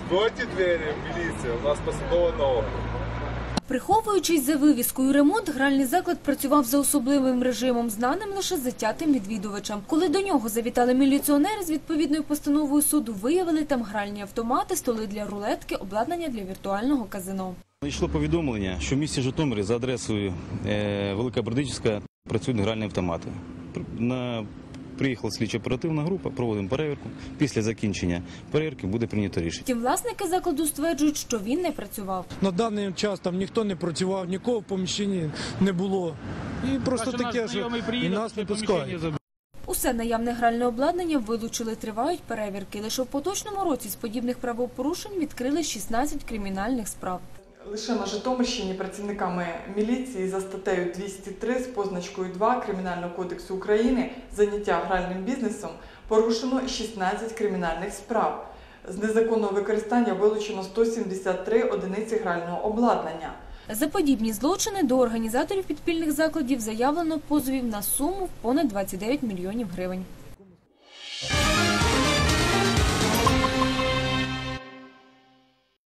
Откройте двері, міліція, у нас посадова нога. Приховуючись за вивіскою «Ремонт», гральний заклад працював за особливим режимом, знаним лише затятим відвідувачам. Коли до нього завітали міліціонери з відповідною постановою суду, виявили там гральні автомати, столи для рулетки, обладнання для віртуального казино. Йшло повідомлення, що в місті Житомирі за адресою Велика Бердичівська працюють гральні автомати. Приїхала слідчо-оперативна група, проводимо перевірку. Після закінчення перевірки буде прийнято рішення. Втім, власники закладу стверджують, що він не працював. На даний час там ніхто не працював, нікого в поміщенні не було. І просто таке, що і нас не пускають. Усе наявне гральне обладнання вилучили, тривають перевірки. Лише в поточному році з подібних правопорушень відкрили 16 кримінальних справ. Лише на Житомирщині працівниками міліції за статтею 203 з позначкою 2 Кримінального кодексу України «Заняття гральним бізнесом» порушено 16 кримінальних справ. З незаконного використання вилучено 173 одиниці грального обладнання. За подібні злочини до організаторів підпільних закладів заявлено позовів на суму в понад 29 мільйонів гривень.